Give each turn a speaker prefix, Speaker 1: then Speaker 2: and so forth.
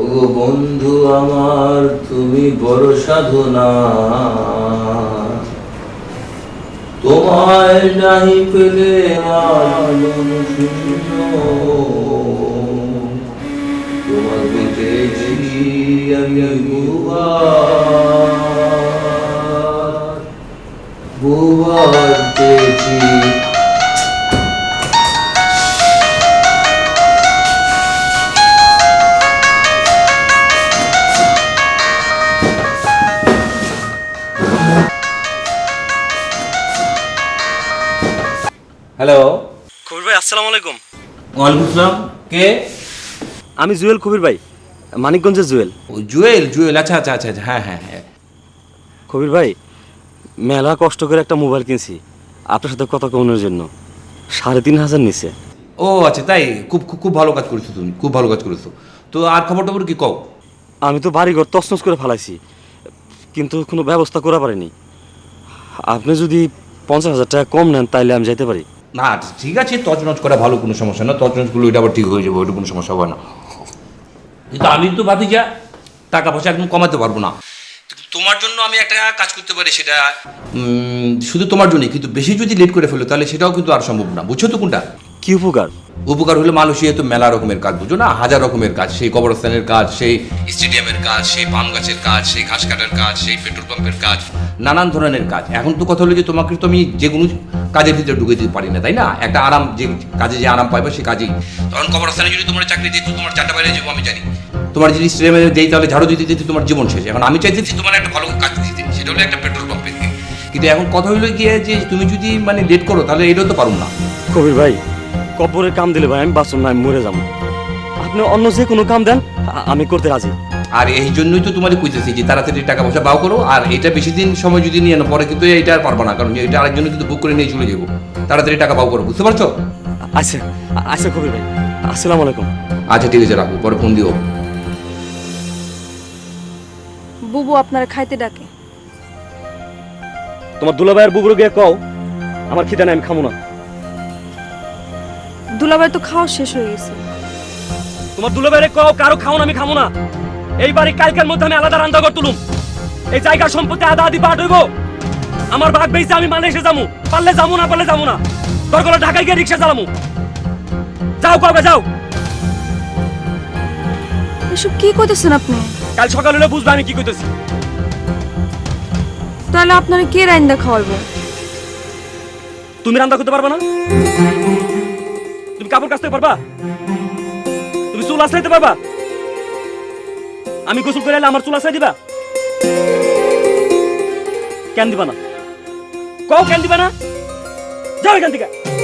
Speaker 1: ওগো বন্ধু আমার তুমি বড় সাধনা, তোমায় নাহি পেলে আমার মন শূন্য। তোমাকে পেয়েছি আমি বহুবার পেয়েছি। হ্যালো
Speaker 2: কবির ভাই, আসসালামু আলাইকুম।
Speaker 1: ওয়ালাইকুম আসসালাম। কে?
Speaker 2: আমি জুয়েল, কবির ভাই, মানিকগঞ্জের জুয়েল।
Speaker 1: ও জুয়েল, জুয়েল, আচ্ছা আচ্ছা আচ্ছা আচ্ছা, হ্যাঁ হ্যাঁ হ্যাঁ।
Speaker 2: কবির ভাই, মেলা কষ্ট করে একটা মোবাইল কিনছি আপনার সাথে কথা কমানোর জন্য। ৩,৫০০ নিচে।
Speaker 1: ও আচ্ছা, তাই? খুব খুব খুব ভালো কাজ করেছো তুমি, খুব ভালো কাজ করেছো। তো আর খবর টবর কি কও?
Speaker 2: আমি তো বাড়িঘর তছনছ করে ফেলাইছি, কিন্তু কোনো ব্যবস্থা করা পারিনি। আপনি যদি ৫০,০০০ টাকা কম নেন তাইলে আমি যাইতে পারি।
Speaker 1: না ঠিক আছে, তছনছ করা ভালো, কোনো সমস্যা না। তছনছগুলো এটা আবার ঠিক হয়ে যাবে, ওইটা কোনো সমস্যা হবে না। কিন্তু আমি তো ভাতিজা, টাকা পয়সা একদম কমাতে পারবো না। তোমার জন্য আমি একটা কাজ করতে পারি, সেটা শুধু তোমার জন্যই, কিন্তু বেশি যদি লেট করে ফেলো তাহলে সেটাও কিন্তু আর সম্ভব না। বুঝছো তো কোনটা?
Speaker 2: কি উপকার?
Speaker 1: উপকার হলো মানুষই তো মেলা রকমের কাজ, বুঝো না, হাজার রকমের কাজ। সেই কবরস্থানের কাজ, সেই স্টেডিয়ামের কাজ, সেই পাম গাছের কাজ, সেই ঘাস কাটার কাজ, সেই পেট্রোল পাম্পের কাজ, নানান ধরনের কাজ। এখন তো কথা হলো যে তোমাকে তো আমি যে কোনো কাজের ভিতরে ঢুকে দিতে পারি না, তাই না? একটা আরাম, যে কাজে যে আরাম পাইবে সে কাজেই। তখন কবরস্থানে যদি তোমার চাকরি দিত, তোমার চারটা বাইরে যাবো আমি জানি। তোমার যদি স্টেডিয়ামে যেই তাহলে ঝাড়ু দিতে দিতে তোমার জীবন শেষ। এখন আমি চাইতেছি তোমার একটা ভালো কাজ দিতে, সেটা হলো একটা পেট্রোল পাম্পের। কিন্তু এখন কথা হইলো গিয়ে যে তুমি যদি মানে লেট করো তাহলে এটাও তো পারো না।
Speaker 2: কবির ভাই, কবরের কাম দিলে ভাই আমি বাঁচব না, আমি মরে যাবো। আপনি অন্য যে কোনো কাম দেন, আমি করতে রাজি।
Speaker 1: আর এই জন্যই তো তোমার কইতেছি যে তাড়াতাড়ি টাকা পয়সা বাও করো। আর এটা বেশি দিন সময় যদি নিয়ে না, পরে কিন্তু এটা আর পারবো না, কারণ এটা আরেকজন্য কিন্তু বুক করে নিয়ে চলে যাবো। তাড়াতাড়ি টাকা বাও করো, বুঝতে পারছো?
Speaker 2: আচ্ছা আচ্ছা কবির ভাই, আসসালামু আলাইকুম।
Speaker 1: আচ্ছা ঠিক আছে, রাখো, পরে ফোন দিও।
Speaker 3: বুবু আপনারা খাইতে ডাকে।
Speaker 2: তোমার দুলাভাইয়ের বুবুরে গিয়ে কও আমার খিদে নাই, আমি খামো না।
Speaker 3: দুলাভাই তো খাওয়া শেষ হয়ে গেছে।
Speaker 2: তোমার দুলাভাইরে কও কারো খাও না, আমি খামো না। এই বাড়ি কালকের মধ্যে আমি আলাদা রান্না ঘর তুলুম। এই জায়গার সম্পত্তি আদা আদি পাঠ হইব। আমার ভাগ বেইছে, আমি মালয়েশিয়া যামু, পারলে যামু, না পারলে যামু না। দরকার হলে ঢাকায় গিয়ে রিক্সা চালামু। যাও কবে যাও।
Speaker 3: এসব কি কইতেছেন আপনি?
Speaker 2: কাল সকাল হলে বুঝবে আমি কি কইতেছি।
Speaker 3: তাহলে আপনারা কে রাইন্দা খাওয়াইবো?
Speaker 2: তুমি রান্না করতে পারবা না? তুমি কাপড় কাচতে পারবা? তুমি চুল আছড়াইতে পারবা? আমি গোসল করে এলে আমার চুল আছড়াই দিবা? কেন দিবা না? কও কেন দিবা না? যাও এখান থেকে।